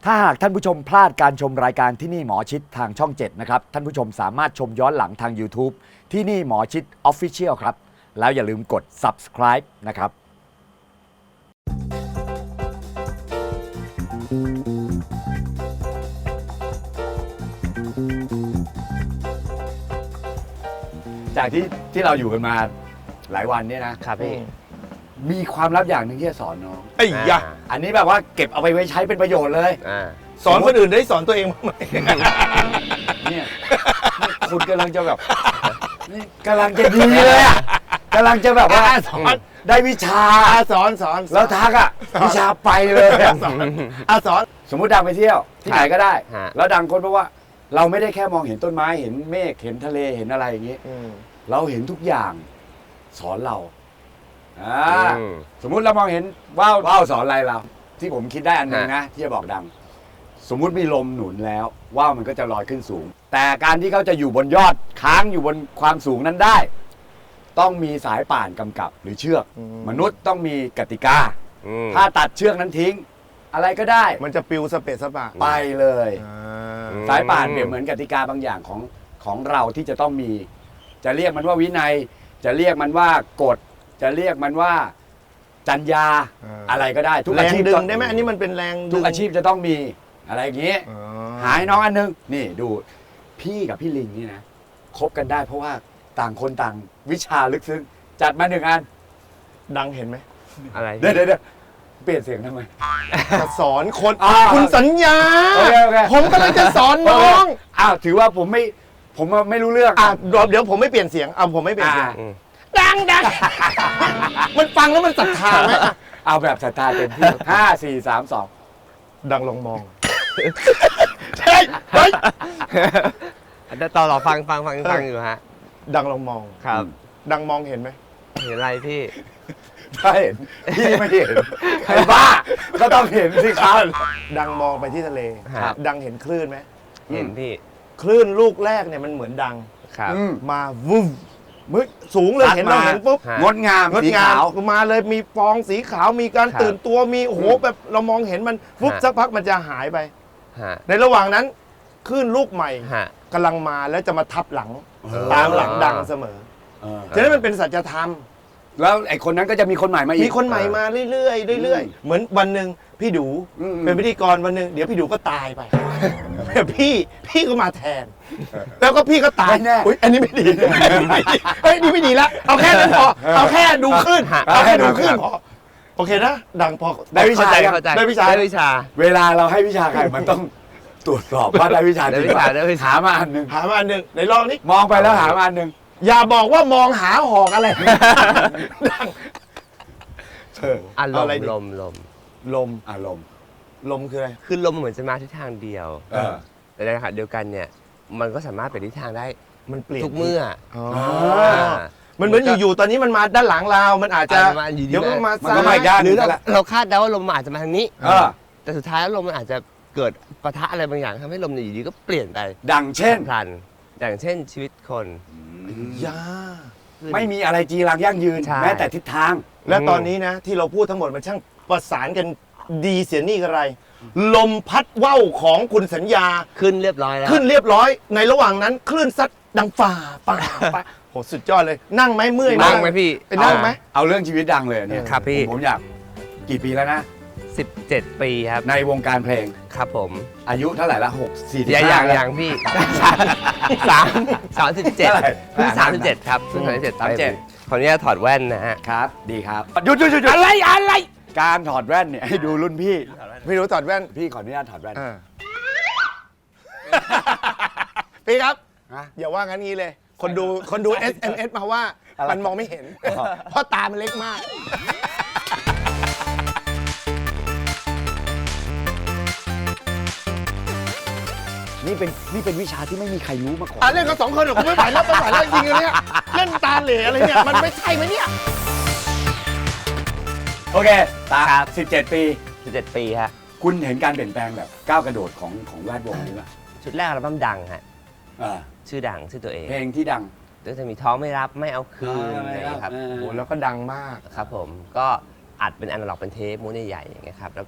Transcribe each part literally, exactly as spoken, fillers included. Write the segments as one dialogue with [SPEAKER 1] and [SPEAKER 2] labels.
[SPEAKER 1] ถ้าหากท่านผู้ชมพลาดการชมรายการที่นี่หมอชิดทางช่องเจ็ดนะครับท่านผู้ชมสามารถชมย้อนหลังทาง YouTube ที่นี่หมอชิด Official ครับแล้วอย่าลืมกด Subscribe นะครับจากที่ที่เราอยู่กันมาหลายวันเนี่ยนะครับพี่มีความลับอย่างหนึ่งที่จะสอนน้องไอ้ยะอันนี้แบบว่าเก็บเอาไปไว้ใช้เป็นประโยชน์เลย
[SPEAKER 2] สอนคนอื่นได้สอนตัวเองบ้างไหม
[SPEAKER 1] เนี่ยคุณกำลังจะแบบนี่กำลังจะดีเลยอ่ะกำลังจะแบบว่าสอนได้วิชา
[SPEAKER 2] สอนสอน
[SPEAKER 1] แล้วทักอ่ะวิชาไปเลย
[SPEAKER 2] สอนอ่ะสอน
[SPEAKER 1] สมมุติดังไปเที่ยวที่ไหนก็ได้แล้วดังคนเพราะว่าเราไม่ได้แค่มองเห็นต้นไม้เห็นเมฆเห็นทะเลเห็นอะไรอย่างนี้เราเห็นทุกอย่างสอนเราสมมุติเรามองเห็นว่าวว่าวสอนอะไรเราที่ผมคิดได้อันหนึ่งนะที่จะบอกดังสมมุติมีลมหนุนแล้วว่าวมันก็จะลอยขึ้นสูงแต่การที่เขาจะอยู่บนยอดค้างอยู่บนความสูงนั้นได้ต้องมีสายป่านกำกับหรือเชือกมนุษย์ต้องมีกติกาถ้าตัดเชือกนั้นทิ้งอะไรก็ได้
[SPEAKER 2] มันจะปิวสเปซสปะ
[SPEAKER 1] ไปเลยสายป่านเปรียบเหมือนกติกาบางอย่างของของเราที่จะต้องมีจะเรียกมันว่าวินัยจะเรียกมันว่ากฎจะเรียกมันว่าจรรยาอะไรก็ได้
[SPEAKER 2] ทุกอาชีพดึงได้ไหมอันนี้มันเป็นแรง
[SPEAKER 1] ทุกอาชีพจะต้องมีอะไรอย่างนี้หายน้องอันนึงนี่ดูพี่กับพี่ลิงนี่นะคบกันได้เพราะว่าต่างคนต่างวิชาลึกซึ้งจัดมาหนึ่งอัน
[SPEAKER 2] ดังเห็นไหม
[SPEAKER 1] อะไรเดี๋ยวเดี๋ยวเปลี่ยนเสียงทำไม
[SPEAKER 2] จะสอนคนคุณสัญญาผมกำลังจะสอนน้อง
[SPEAKER 1] อ้าวถือว่าผมไม่ผมไม่รู้เรื่อง
[SPEAKER 2] อ่ะเดี๋ยวผมไม่เปลี่ยนเสียงเอาผมไม่เปลี่ยนเสียงดังดังมันฟังแล้วมันศรัทธาไหม
[SPEAKER 1] เอาแบบศรัทธาเต็มที่ห้าสี่สามสอง
[SPEAKER 2] ดังลองมอง
[SPEAKER 1] ใช่เฮ้ย
[SPEAKER 3] ต่อหรอฟังฟังฟังฟังอยู่ฮะ
[SPEAKER 2] ดังลองมอง
[SPEAKER 3] ครับ
[SPEAKER 2] ดังมองเห็นไหม
[SPEAKER 3] เห็นอะไรพี่
[SPEAKER 1] ถ้าเห็นพี่ไม่เห็นใครบ้าก็ต้องเห็นสิครับ
[SPEAKER 2] ดังมองไปที่ทะเลดังเห็นคลื่นไหม
[SPEAKER 3] เห็นพี่
[SPEAKER 2] คลื่นลูกแรกเนี่ยมันเหมือนดังมาวุ้มมึสูงเลยเห็นเราเห็นปุ๊บ
[SPEAKER 1] งดงาม
[SPEAKER 2] งดงามมาเลยมีฟองสีขาวมีการตื่นตัวมีโอ้โหแบบเรามองเห็นมันปุ๊บสักพักมันจะหายไปในระหว่างนั้นคลื่นลูกใหม่กำลังมาแล้วจะมาทับหลังตามหลังดังเสมอฉะนั้นมันเป็นสัจธรรม
[SPEAKER 1] แล้วไอ้คนนั้นก็จะมีคนใหม่มาอีก
[SPEAKER 2] มีคนใหม่มาเรื่อยๆเรื่อยๆเหมือนวันหนึ่งพี่ดูเป็นพิธีกรวันหนึ่งเดี๋ยวพี่ดูก็ตายไปพี่พี่ก็มาแทนแล้วก็พี่ก็ตาย
[SPEAKER 1] แน่
[SPEAKER 2] อันนี้ไม่ดีเฮ้ยนี่ไม่ดีแล้วเอาแค่นั้นพอเอาแค่ดูขึ้นเอาแค่ดูขึ้นพอโอเคนะดังพอ
[SPEAKER 1] ได้วิชา
[SPEAKER 2] ได้วิชา
[SPEAKER 3] ได้วิชา
[SPEAKER 1] เวลาเราให้วิชาใครมันต้องตรวจสอบว่าได้วิชา
[SPEAKER 3] ได้วิชาได้วิชา
[SPEAKER 1] หามาอันหนึ่ง
[SPEAKER 2] หามาอันหนึ่งไหนลองนี่
[SPEAKER 1] มองไปแล้วหามาอันหนึ่ง
[SPEAKER 2] อย่าบอกว่ามองหาหอกอะไรดัง
[SPEAKER 3] อารมณ์ลมลม
[SPEAKER 2] ลม
[SPEAKER 1] อารมณ์
[SPEAKER 2] ลมคืออะไร
[SPEAKER 3] คือลมเหมือนจะมาทิศทางเดียวแต่ในขณะเดียวกันเนี่ยมันก็สามารถเปลี่ยนทิศทางได้
[SPEAKER 2] มันเปลี่ยน
[SPEAKER 3] ทุกเมื่อ
[SPEAKER 2] มันเหมือนอยู่ๆตอนนี้มันมาด้านหลังเรามันอาจจะเดี๋ยวมันมาซ้าย
[SPEAKER 1] หรือ
[SPEAKER 3] เราคาดเดาว่าลมอาจจะมาทางนี้แต่สุดท้ายแล้วลมมันอาจจะเกิดปะทะอะไรบางอย่างทำให้ลมอยู่ดีก็เปลี่ยนไป
[SPEAKER 1] ดังเช่น
[SPEAKER 3] พลันอย่างเช่นชีวิตคน
[SPEAKER 2] ยา
[SPEAKER 1] ไม่มีอะไรจีรังยั่งยืนแม้แต่ทิศทาง
[SPEAKER 2] และตอนนี้นะที่เราพูดทั้งหมดมันช่างประสานกันดีเสียนี่อะไรลมพัดว่าวของคุณสัญญา
[SPEAKER 3] ขึ้นเรียบร้อยแล้ว
[SPEAKER 2] ขึ้นเรียบร้อยในระหว่างนั้นคลื่นซัดดังฝ่าฝ่าฝ่าโหสุดยอดเลยนั่งไหมเมื่อย
[SPEAKER 3] นั่งไหมพี่
[SPEAKER 2] ไปนั่งไหม
[SPEAKER 1] เอาเรื่องชีวิตดังเลยเนี่ย
[SPEAKER 3] ครับพี่
[SPEAKER 1] ผมอยากกี่ปีแล้วนะ
[SPEAKER 3] สิบเจ็ดปีครับ
[SPEAKER 1] ในวงการเพลง
[SPEAKER 3] ครับผม
[SPEAKER 1] อายุเท่าไหร่ละหกสี่สิบ
[SPEAKER 3] ห้าอย่างอย่างพี่สามสามสิบเจ็ดเพิ่งสามสิบเจ็ดครับเพิ่งสามสิบเจ็ด
[SPEAKER 1] สามเจ็ด
[SPEAKER 3] ขออนุญาตถอดแว่นนะฮะ
[SPEAKER 1] ครับดีครับหยุดหยุดหยุดอะไรอะไรการถอดแว่นเนี่ยให้ดูรุ่นพี่
[SPEAKER 2] พี่รู้ถอดแว่น
[SPEAKER 1] พี่ขออนุญาตถอดแว่น
[SPEAKER 2] พี่ครับอย่าว่างั้นงี้เลยคนดูคนดู เอส เอ็ม เอส มาว่ามันมองไม่เห็นเพราะตามันเล็กมาก
[SPEAKER 1] นี่เป็นนี่เป็นวิชาที่ไม่มีใครรู้มาก่อน
[SPEAKER 2] เล่นกันสองคนหรอผมไม่ไหวแล้วไม่ไหวแล้วจริงๆเนี่ยเล่นตาเหล่อะไรเนี่ยมันไม่ใช่ไหมเนี่ย
[SPEAKER 1] โอเคตาสิบเจ็ดปี
[SPEAKER 3] สิบเจ็ดปีฮะ
[SPEAKER 1] คุณเห็นการเปลี่ยนแปลงแบบก้าวกระโดดของของแวดวงนี้ป่ะ
[SPEAKER 3] ชุดแรกอัลบั้มดังฮะชื่อดังชื่อตัวเอง
[SPEAKER 1] เพลงที่ดัง
[SPEAKER 3] ก็จะมีท้องไม่รับไม่เอาคืนนะครับ
[SPEAKER 2] โอ้แล้วก็ดังมาก
[SPEAKER 3] ครับผมก็อัดเป็นอนาล็อกเป็นเทปม้วนใหญ่ๆอย่างเงี้ยครับแล้วก็อัด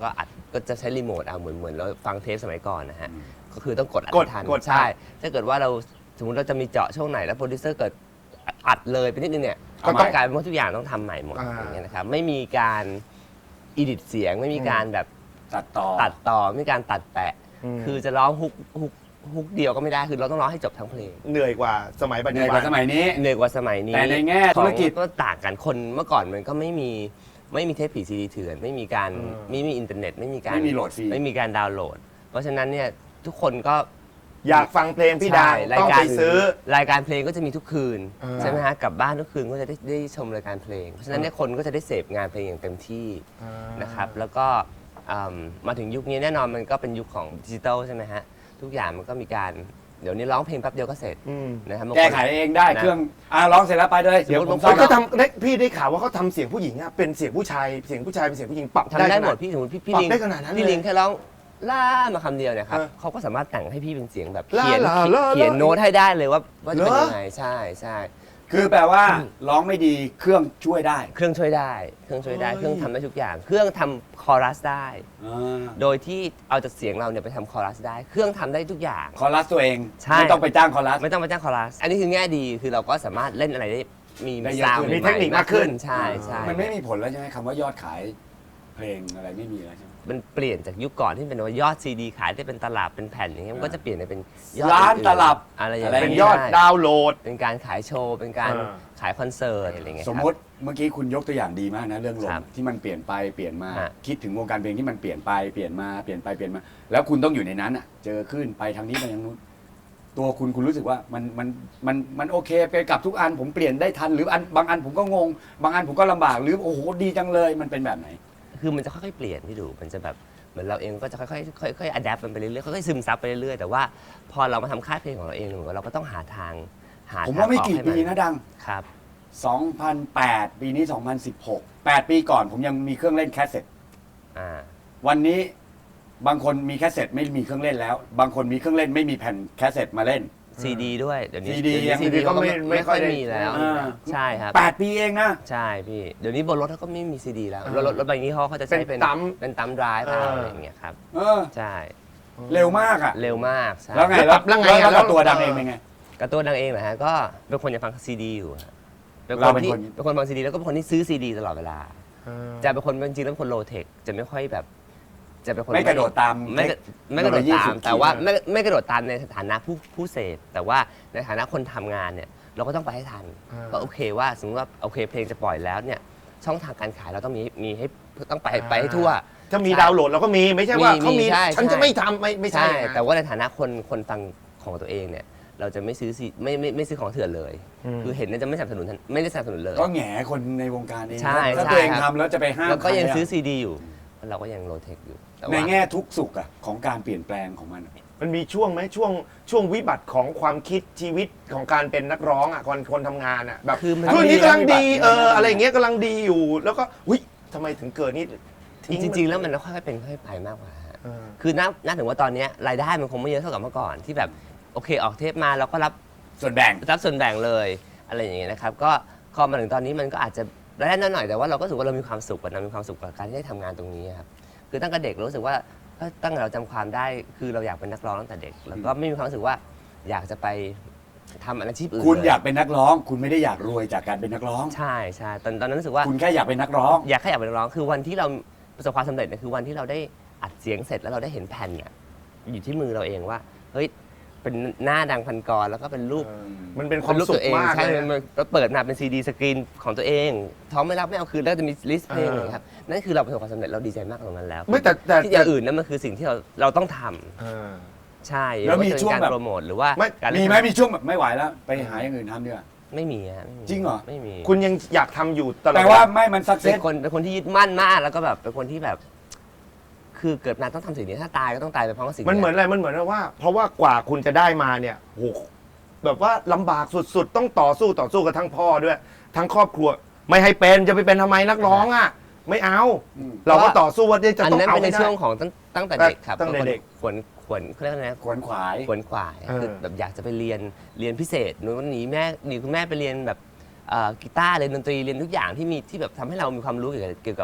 [SPEAKER 3] ก็จะใช้รีโมทเอาเหมือนเหมือนเราฟังเทปสมัยก่อนนะฮะก็คือต้องกดอัด
[SPEAKER 2] กด
[SPEAKER 3] ทัน
[SPEAKER 2] กด
[SPEAKER 3] ใช่ ถ้าเกิดว่าเราสมมติเราจะมีเจาะช่วงไหนแล้วโปรดิวเซอร์เกิดอัดเลยไปนิดนึงเนี่ย
[SPEAKER 2] ก็
[SPEAKER 3] ก็
[SPEAKER 2] ต้
[SPEAKER 3] ต้
[SPEAKER 2] อ
[SPEAKER 3] อง งกลายเป็นว่าทุกอย่างต้องทำใหม่หมด
[SPEAKER 2] อ่า
[SPEAKER 3] อย่างเงี้ยนะครับไม่มีการอีดิทเสียงไม่มีการแบบ
[SPEAKER 1] ตัดต่อ
[SPEAKER 3] ตัดต่อไม่มีการตัดแปะ
[SPEAKER 2] อืม
[SPEAKER 3] คือจะร้องฮุกฮุกฮุกเดียวก็ไม่ได้คือเราต้องร้องให้จบทั้งเพลง
[SPEAKER 2] เหนื่อยกว่าสมัยปัจ
[SPEAKER 1] เห
[SPEAKER 2] จุ
[SPEAKER 1] นื่อย
[SPEAKER 2] บั
[SPEAKER 1] กว่าน สมัยนี้
[SPEAKER 3] เหนื่อยกว่าสมัยนี้
[SPEAKER 1] แต่ในแง่ธุรกิจ
[SPEAKER 3] ของก็ต่างกันคนเมื่อก่อนมันก็ไม่มีไม่มีเทปผีซีดีเถื่อนไม่มีการ
[SPEAKER 2] อืม
[SPEAKER 3] ไม่มีอินเทอร์เน็ต ไม่มีการ
[SPEAKER 1] ไม่มีโหลดฟรี
[SPEAKER 3] ไม่มีการดาวน์โหลด เพราะฉะนั้นเนี่ยทุกคนก็
[SPEAKER 2] อยากฟังเพลงพี่ดาว
[SPEAKER 3] ใช่
[SPEAKER 2] ต้องไปซื้อ
[SPEAKER 3] รายการเพลงก็จะมีทุกคืน
[SPEAKER 2] อ่า
[SPEAKER 3] ใช่ไหมฮะกลับบ้านทุกคืนก็จะได้ได้ชมรายการเพลง เพราะฉะนั้นเนี่ยคนก็จะได้เสพงานเพลงอย่างเต็มที่นะครับแล้วก็อืมมาถึงยุคนี้แน่นอนมันก็เป็นยุคของดิจิทัลใช่ไหมฮะทุกอย่างมันก็มีการเดี๋ยวนี้ร้องเพลงแป๊บเดียวก็เสร็จ
[SPEAKER 2] อืม
[SPEAKER 3] นะครับบางคน
[SPEAKER 1] แก้ไขเองได้
[SPEAKER 3] นะ
[SPEAKER 1] เครื่องอ่าร้องเสร็จแล้วไปเลยเดี๋ยวผม
[SPEAKER 3] สมมุติ
[SPEAKER 1] ซ่อม
[SPEAKER 2] เขาทำได้พี่ได้ข่าวว่าเขาทำเสียงผู้หญิงอะเป็นเสียงผู้ชายเสียงผู้ชายเป็นเสียงผู้หญิงปรับ
[SPEAKER 3] ทำได้
[SPEAKER 2] ข
[SPEAKER 3] หม
[SPEAKER 2] นา
[SPEAKER 3] ดพี่สมมติพี่พี่
[SPEAKER 2] ปรับ
[SPEAKER 3] ลิง
[SPEAKER 2] ได้ขนาดนั้นเลย
[SPEAKER 3] พี่ลิงแค่ร้องล่ามาคำเดียวเนี่ยครับ
[SPEAKER 2] เออ
[SPEAKER 3] เขาก็สามารถแต่งให้พี่เป็นเสียงแบบ
[SPEAKER 2] ล่า
[SPEAKER 3] เขียน
[SPEAKER 2] ล่าล่า
[SPEAKER 3] เขียน
[SPEAKER 2] ล่า
[SPEAKER 3] โน้ตให้ได้เลยว่าว่าจะเป็น
[SPEAKER 2] เหรอ
[SPEAKER 3] ยังไงใช่ใช่
[SPEAKER 1] คือแปลว่าร้องไม่ดีเครื่องช่วยได้
[SPEAKER 3] เครื่องช่วยได้เครื่องช่วยได้
[SPEAKER 2] เฮ้ย
[SPEAKER 3] เครื่องทำได้ทุกอย่าง เครื่องทำคอรัสได้
[SPEAKER 1] อ่า
[SPEAKER 3] โดยที่เอาจากเสียงเราเนี่ยไปทำคอรัสได้ เครื่องทำได้ทุกอย่าง
[SPEAKER 1] คอรัสตัวเอง
[SPEAKER 3] ใช่
[SPEAKER 1] ไม่ต้องไปจ้างคอรัส
[SPEAKER 3] ไม่ต้องไปจ้างคอรัส อันนี้คือแง่ดีคือเราก็สามารถเล่นอะไรได้มี
[SPEAKER 1] ได้เยอะ
[SPEAKER 3] ซาว
[SPEAKER 1] ขึ้
[SPEAKER 3] ด์
[SPEAKER 1] น
[SPEAKER 2] มีเทคนิคมากขึ้น
[SPEAKER 3] ใช่ใช่
[SPEAKER 1] มันไม่มีผลแล้วใช่ไหมคำว่ายอดขายเพลงอะไรไม่มีแล้วใช่ไหม
[SPEAKER 3] มันเปลี่ยนจากยุคก่อนที่เป็นว่ายอดซีดีขายได้เป็นตลับเป็นแผ่นอย่างเงี้ยมันก็จะเปลี่ยนไปเป็นยอด
[SPEAKER 1] ล้าน
[SPEAKER 3] อื่ๆ
[SPEAKER 1] ตลับ
[SPEAKER 3] อะไรอย่าง
[SPEAKER 1] อะไร
[SPEAKER 3] เงี้ย
[SPEAKER 2] เป็นยอด
[SPEAKER 3] ได้
[SPEAKER 2] ดาวน์โหลด
[SPEAKER 3] เป็นการขายโชว์ เป็นการ
[SPEAKER 2] อ่า
[SPEAKER 3] ขายคอนเสิร์ตอะไรเงี้ย
[SPEAKER 1] สมมติเมื่อกี้คุณยกตัวอย่างดีมากนะเรื่องล
[SPEAKER 3] ครั
[SPEAKER 1] ม
[SPEAKER 3] บ
[SPEAKER 1] ที่มันเปลี่ยนไปเปลี่ยนมา
[SPEAKER 3] ฮะ
[SPEAKER 1] คิดถึงวงการเพลงที่มันเปลี่ยนไปเปลี่ยนมาเปลี่ยนไปเปลี่ยนมา แล้วคุณต้องอยู่ในนั้นอ่ะ เจอขึ้นไปทางนี้ไปทางนู้นตัวคุณคุณรู้สึกว่ามันมันมันมันโอเคไปกับทุกอันผมเปลี่ยนได้ทันหรืออันบางอันผมก็งง บางอันผมก็ลำบากหรือโอ้โหดีจังเลยมันเป็นแบบไหน
[SPEAKER 3] คือมันจะค่อยๆเปลี่ยนพี่ดู มันจะแบบเหมือนเราเองก็จะค่อยๆค่อยๆอัดแอปมันไปเรื่อยๆค่อยๆซึมซับไปเรื่อยๆแต่ว่าพอเรามาทำค่ายเพลงของเราเองเหมือนกับเราก็ต้องหาทางหา
[SPEAKER 1] ผม
[SPEAKER 3] ทาง
[SPEAKER 1] ว่าไม่
[SPEAKER 3] ออ
[SPEAKER 1] กี่
[SPEAKER 3] ให้
[SPEAKER 1] ปี
[SPEAKER 3] มั
[SPEAKER 1] นะดัง
[SPEAKER 3] ครับ
[SPEAKER 1] สองพันแปด ปีนี้ สองพันสิบหก แปด ปีก่อนผมยังมีเครื่องเล่นแคสเซ็ต
[SPEAKER 3] อ่า
[SPEAKER 1] วันนี้บางคนมีแคสเซ็ตไม่มีเครื่องเล่นแล้ว บางคนมีเครื่องเล่นไม่มีแผ่นแคสเซ็ตมาเล่น
[SPEAKER 3] ซีดีด้วยเดี๋ยวนี้
[SPEAKER 1] ซีดี
[SPEAKER 3] เดี๋ยวนี้
[SPEAKER 1] ยัง
[SPEAKER 3] ซีดี
[SPEAKER 2] ก็
[SPEAKER 3] ก็
[SPEAKER 2] ไม่
[SPEAKER 3] ไม่
[SPEAKER 2] ไม่
[SPEAKER 3] ไม่
[SPEAKER 2] ค่
[SPEAKER 3] ค่
[SPEAKER 2] อ
[SPEAKER 3] อย ย
[SPEAKER 2] ได้
[SPEAKER 3] มีแล้ว
[SPEAKER 1] อ่า
[SPEAKER 3] ใช่ครับ
[SPEAKER 1] แปด ปีเองนะ
[SPEAKER 3] ใช่พี่เดี๋ยวนี้บนรถเขาก็ไม่มีซีดีแล้ว
[SPEAKER 2] อ่าร
[SPEAKER 3] ถรถรถบางยี่ห้อเขาจะใช้
[SPEAKER 2] เป็
[SPEAKER 3] เป็น
[SPEAKER 2] นตั้ม
[SPEAKER 3] เป็นตั้มไดรฟ์
[SPEAKER 2] อ่า
[SPEAKER 3] อะไรอย่างเงี้ยครับ
[SPEAKER 1] เออ
[SPEAKER 3] ใช่
[SPEAKER 1] เร็วมากอ่ะ
[SPEAKER 3] เร็วมากใช่
[SPEAKER 1] แล้วไง
[SPEAKER 2] แล้วปรับแล้วไงอ่ะ
[SPEAKER 1] แล้วกับ
[SPEAKER 2] แล้ว
[SPEAKER 1] ตัวดังเองเป็นไง
[SPEAKER 3] การ์ตูนดังเองเหรอฮะก็เป็นคนจะฟังซีดีอยู่ฮะเป็นค
[SPEAKER 1] เรา
[SPEAKER 3] น
[SPEAKER 1] เป็น
[SPEAKER 3] ที่
[SPEAKER 1] คน
[SPEAKER 3] เป็นคนฟังซีดีแล้วก็เป็นคนที่ซื้อซีดีตลอดเวลา จะเป็นคนจริงๆแล้วเป็นคนโลเทคจะไม่ค่อยแบบ จะเป็นคน
[SPEAKER 1] ไม่กระโดดตาม
[SPEAKER 3] ไม่กระไม่กระโดด
[SPEAKER 1] เทคโนโลยี
[SPEAKER 3] ตา
[SPEAKER 1] สุ
[SPEAKER 3] ม
[SPEAKER 1] ดขีด
[SPEAKER 3] แต่ว่าไม่ไม่กระโดดตามในฐานะผู้ผู้เสพแต่ว่าในฐานะคนทำงานเนี่ยเราก็ต้องไปให้ทัน
[SPEAKER 2] อ่า
[SPEAKER 3] ก็โอเคว่าสมมติว่าโอเคเพลงจะปล่อยแล้วเนี่ยช่องทางการขายเราต้องมีมีให้ต้องไปไปให้ทั่ว
[SPEAKER 2] ถ้ามีดาวน์โหลดเราก็มีไม่ใช่ว่า
[SPEAKER 3] มี
[SPEAKER 2] เขามี
[SPEAKER 3] ใช่
[SPEAKER 2] ฉัน
[SPEAKER 3] ใช่
[SPEAKER 2] จะไม่ทำไม่ไม่ใช่
[SPEAKER 3] ใช่
[SPEAKER 2] นะ
[SPEAKER 3] แต่ว่าในฐานะคนคนฟังของตัวเองเนี่ยเราจะไม่ซื้อซีไม่ไม่ไม่ซื้อของเถื่อนเลย
[SPEAKER 2] อืม
[SPEAKER 3] คือเห็นเนี่ยจะไม่สนับสนุนไม่ได้สนับสนุนเลย
[SPEAKER 1] ก็แหงคนในวงการเอง
[SPEAKER 3] ใช่
[SPEAKER 1] ถ้า
[SPEAKER 3] ใช่
[SPEAKER 1] ตัวเอง
[SPEAKER 3] ครับ
[SPEAKER 1] ทำแล้วจะไปห้าม
[SPEAKER 3] แล้วก็ยัง
[SPEAKER 1] ใครอะ
[SPEAKER 3] ซื้อซีดีอยู่เราก็ยังโลเทคอยู่แต่
[SPEAKER 1] ใน
[SPEAKER 3] ว่า
[SPEAKER 1] แง่ทุกสุขอะของการเปลี่ยนแปลงของมันอะ
[SPEAKER 2] มันมีช่วงไหมช่วงช่วงวิบัติของความคิดชีวิตของการเป็นนักร้องอ่ะคนคนทำงานอ่ะแบบ
[SPEAKER 3] คือมัน
[SPEAKER 2] ช่วงนี้กำลังดี
[SPEAKER 1] ทั้งดี
[SPEAKER 2] เออ
[SPEAKER 1] ทั้งวิบัติ
[SPEAKER 2] อะไรอย่างเงี้ยกำลังดีอยู่ แล้วก็อุ้ยทำไมถึงเกิดนี่ทิ้
[SPEAKER 3] จริงๆ แล้วมันค่อยๆเป็นค่อยๆไปมากกว่าฮะ
[SPEAKER 2] เออ
[SPEAKER 3] คือนับนับถึงว่าตอนเนี้ยรายได้มันคงไม่เยอะเท่ากับเมื่อก่อนที่แบบโอเคออกเทปมาเราก็รับ
[SPEAKER 1] ส่วนแบ่ง
[SPEAKER 3] รับส่วนแบ่งเลยอะไรอย่างเงี้ยนะครับก็พอมาถึงตอนนี้มันก็อาจจะรายได้น้อยหน่อยแต่ว่าเราก็รู้สึกว่าเรามีความสุขกับเรามีความสุขกับการที่ได้ทำงานตรงนี้ครับคือตั้งแต่เด็กรู้สึกว่าตั้งแต่เราจำความได้คือเราอยากเป็นนักร้องตั้งแต่เด็กแล้วก็ไม่มีความรู้สึกว่าอยากจะไปทำอาชีพอื่น
[SPEAKER 1] คุณ
[SPEAKER 3] เล
[SPEAKER 1] อยากเป็นนักร้อง คุณไม่ได้อยากรวยจากการเป็นนักร้อง
[SPEAKER 3] ใช่ใช่ตอนตอนนั้นรู้สึกว่า
[SPEAKER 1] คุณแค่อยากเป็นนักร้อง
[SPEAKER 3] อยากแค่อยากเป็นนักร้องคือวันที่เราประสบความสำเร็จเนี่ยคือวันที่เราได้อัดเสียงเสร็จแล้วเราได้เห็นแผ่นเนี่ยอยู่ที่มือเราเองว่าเฮ้ยเป็นหน้าดังพันกรแล้วก็เป็นรูป
[SPEAKER 2] มันเป็นความ
[SPEAKER 3] เป็นรูป
[SPEAKER 2] สุ
[SPEAKER 3] ตั
[SPEAKER 2] ข
[SPEAKER 3] วเอง
[SPEAKER 2] มาก
[SPEAKER 3] ใช่
[SPEAKER 2] เลย
[SPEAKER 3] มันมันเปิดมาเป็นซีดีสกรีนของตัวเองท้องไม่รับไม่เอาคืนแล้วจะมีลิสต์เพลง
[SPEAKER 2] เออ
[SPEAKER 3] เลยครับนั่นคือเราประสบความสำเร็จเราดีใจมากตรงนั้นแล้ว
[SPEAKER 2] ไม่แต่แต่
[SPEAKER 3] ที่อย่างอื่นนั่นมันคือสิ่งที่เราเราต้องทำ
[SPEAKER 2] เออ
[SPEAKER 3] ใช่
[SPEAKER 1] แล้วมี
[SPEAKER 3] ไาจะเป็น
[SPEAKER 1] ช่วง
[SPEAKER 3] การ
[SPEAKER 1] แบบ
[SPEAKER 3] โปรโมทหรือว่า
[SPEAKER 2] ไม่
[SPEAKER 3] การ
[SPEAKER 1] มีไหมมีช่วงแบบไม่ไหวแล้ว ไปหาอย่างอื่นทำดีกว่า
[SPEAKER 3] ไม่มีฮะไม่มี
[SPEAKER 1] จริงเหรอ
[SPEAKER 3] ไม่มี
[SPEAKER 2] คุณยังอยากทำอยู่ตลอด
[SPEAKER 1] แต่ว่าไม่มันสักเซ
[SPEAKER 3] เป็น
[SPEAKER 1] ส
[SPEAKER 3] คนเป็นคนที่ยึดมั่นมากแล้วก็แบบเป็นคนที่แบบ คือเกิดมาต้องทำสิ่งนี้ถ้าตายก็ต้องตายไปพร้อมกับสิ่ง
[SPEAKER 2] มันเหมือนอะไรมันเหมือนว่า เพราะว่ากว่าคุณจะได้มาเนี่ยโหแบบว่าลำบากสุดๆ ต้องต่อสู้ต่อสู้กับทั้งพ่อด้วย ทั้งครอบครัว ไม่ให้เป็นจะไปเป็นทำไมนักร้องอ่ะ ไม่เอา เราก็ต่อสู้ว่าจะ
[SPEAKER 3] อัน
[SPEAKER 2] ต้อง
[SPEAKER 3] นั้น
[SPEAKER 2] เอา
[SPEAKER 3] เป็นใน
[SPEAKER 2] ให้ได้
[SPEAKER 3] ช่วงของตั้งตั้งแต่เด็กครับ
[SPEAKER 2] ตั้งแต่เด็ก
[SPEAKER 3] ขวนขวนเขาเรียกอะไรนะ
[SPEAKER 1] ขวนขวาย
[SPEAKER 3] ขวนขวาย
[SPEAKER 2] เออ
[SPEAKER 3] คือแบบอยากจะไปเรียนเรียนพิเศษหนูหนีแม่หนีคุณแม่ไปเรียนแบบเอ่อกีตาร์เรียนดนตรีเรียนทุกอย่างที่มีที่แบบทำให้เรามีความรู้เกี่ยวกับเกี่ยวกับ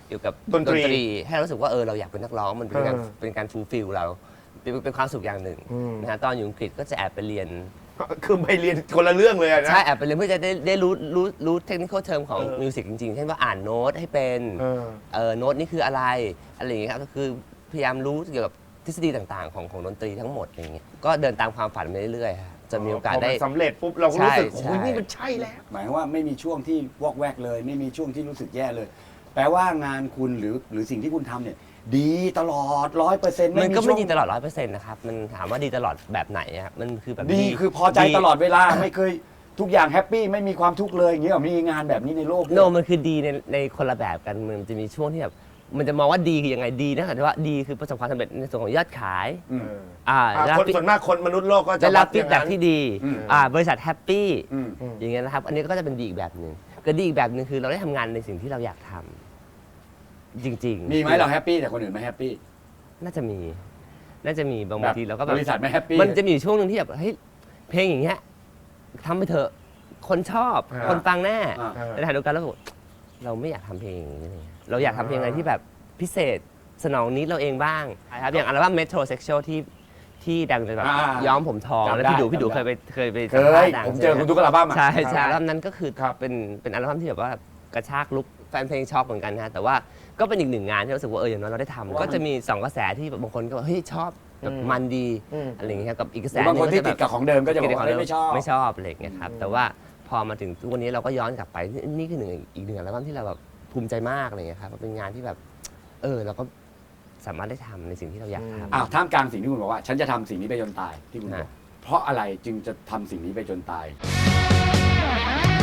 [SPEAKER 3] เกี่ยวกับ
[SPEAKER 2] ดนตรี
[SPEAKER 3] ให้เรารู้สึกว่าเออเราอยากเป็นนักร้องมันเป็นการ
[SPEAKER 2] เออ
[SPEAKER 3] เป็นการฟูลฟิลเราเป็นเป็นความสุขอย่างหนึ่ง
[SPEAKER 2] อืม
[SPEAKER 3] นะฮะตอนอยู่อังกฤษก็จะแอบไปเรียน
[SPEAKER 2] คือไปเรียนคนละเรื่องเลยอะนะ
[SPEAKER 3] ใช่แอบไปเรียนเพื่อจะได้ได้รู้รู้รู้เทคนิคเทอมของ
[SPEAKER 2] เออ
[SPEAKER 3] มิวสิกจริงๆ เช่นว่าอ่านโน้ตให้เป็น
[SPEAKER 2] เออ
[SPEAKER 3] เออโน้ตนี่คืออะไรอะไรอย่างเงี้ยครับก็คือพยายามรู้เกี่ยวกับทฤษฎีต่างๆ ของของดนตรีทั้งหมดอย่างเงี้ยก็เดินตามความฝันไปเรื่อยๆฮะจะมีโอกาส
[SPEAKER 2] พ
[SPEAKER 3] ได้
[SPEAKER 2] มันสำเร็จปุ๊บเราก็รู้สึก
[SPEAKER 3] ใช่
[SPEAKER 2] โอ้ย
[SPEAKER 3] ใช่
[SPEAKER 2] นี่มันใช่แล้ว
[SPEAKER 1] หมายความว่าไม่มีช่วงที่วอกแวกเลย ไม่มีช่วงที่รู้สึกแย่เลย แปลว่างานคุณหรือหรือสิ่งที่คุณทำเนี่ย ดีตลอดร้อยเปอร์เซ็นต์
[SPEAKER 3] มันก็ไม่ดีตลอดร้อยเปอร์เซ็นต์นะครับมันถามว่าดีตลอดแบบไหนอะครับมันคือแบบ
[SPEAKER 1] ดีคือพอใจตลอดเวลาไม่เคยทุกอย่างแฮปปี้ไม่มีความทุกข์เลยอย่างเงี้ยหรอมีงานแบบนี้ในโลกด้วย
[SPEAKER 3] โนมันคือดีในในคนละแบบกันมันจะมีช่วงที่แบบมันจะมองว่าดีคือยังไงดีนะแต่ว่าดีคือประสบความสำเร็จในส่วนของยอดขาย
[SPEAKER 1] อืม
[SPEAKER 3] อ่า
[SPEAKER 2] อ่ะ
[SPEAKER 3] ได้รับ
[SPEAKER 2] คนส่วนมากคนมนุษย์โลกก็จะ
[SPEAKER 3] ได้รับ
[SPEAKER 2] วั
[SPEAKER 3] ฟีดแบ็กที่ดี
[SPEAKER 1] อืม
[SPEAKER 3] อ่าบริษัทแฮปปี้
[SPEAKER 1] อืม
[SPEAKER 3] อย่างเงี้ยนะครับ อันนี้ก็จะเป็นดีอีกแบบหนึ่งก็ดีอีกแบบหนึ่งคือเราได้ทำงานในสิ่งที่เราอยากทำจริงๆ
[SPEAKER 1] มีไหมเราแฮปปี้แต่คนอื่นไม่แฮปปี้
[SPEAKER 3] น่าจะมี น่าจะมีบาง
[SPEAKER 1] แบบ
[SPEAKER 3] ทีเราก็แบบ
[SPEAKER 1] บริษัทไม่แฮปปี้
[SPEAKER 3] มันจะมีอยู่ช่วงหนึ่งที่แบบเฮ้ยเพลงอย่างเงี้ยทำไปเถอะคนชอบ
[SPEAKER 2] อ่า
[SPEAKER 3] คนฟังแน่
[SPEAKER 1] อ่า
[SPEAKER 2] เออ
[SPEAKER 3] แต่ขณะเดียวกันเราบอกเราไม่อยากทำเพลงอย่างนี้เลยเราอยากทำเพลงอะไรที่แบบพิเศษสนองนิดเราเองบ้างนะครับอย่างอัลบั้ม Metrosexual ที่ที่ดังเลยแบบ
[SPEAKER 1] อ่า
[SPEAKER 3] ย้อมผมทอง
[SPEAKER 1] จำได้
[SPEAKER 3] แล้วพี่ดูพี่ดู
[SPEAKER 1] จำได้
[SPEAKER 3] เคยไปเคยไป
[SPEAKER 1] เค
[SPEAKER 3] สัมภาษ
[SPEAKER 1] ย
[SPEAKER 3] ณ์ดัง
[SPEAKER 1] ผมเจอคุณทุกอัลบั้มอ่ะ
[SPEAKER 3] ใช่ใช่อัลบั้มนั้นก็คือ
[SPEAKER 2] ครับ
[SPEAKER 3] เป็นเป็นอัลบั้มที่แบบว่ากระชากลุกแฟนเพลงช็อกเหมือนกันนะฮะแต่ว่าก็เป็นอีกหนึ่งงานที่รู้สึกว่าเอออย่างน้อยเราได้ทำก็จะมีสองกระแสที่บางคนก็บอกเฮ้ยชอบแบบมันดี
[SPEAKER 2] อืม
[SPEAKER 3] อะไรอย่างเงี้ยกับอีกกระ
[SPEAKER 1] ห
[SPEAKER 3] แส
[SPEAKER 1] รือบางคนที่
[SPEAKER 3] ห
[SPEAKER 1] ติ
[SPEAKER 3] ง
[SPEAKER 1] ดกับของเดิมก็จะบอกว่า
[SPEAKER 3] ติด
[SPEAKER 1] เฮ้ยไม่ชอบ
[SPEAKER 3] ไม่ชอบอะไรอย่างเงี้ยครับแต่ว่าพอมาถึงทุกวันนี้เราก็ย้อนกลับไปนี่นี่คือหนึ่งอีกหนึ่งอัลบั้มที่เราแบบภูมิใจมากอะไรอย่างเงี้ยครับเป็นงานที่แบบเออเราก็สามารถได้ทำในสิ่งที่เราอยากทำ
[SPEAKER 1] อ้าวท่ามกลางสิ่งที่คุณบอกว่า ฉันจะทำสิ่งนี้ไปจนตายที่คุณบอก
[SPEAKER 3] ฮะ
[SPEAKER 1] เพราะอะไรจึงจะทำสิ่งนี้ไปจนตาย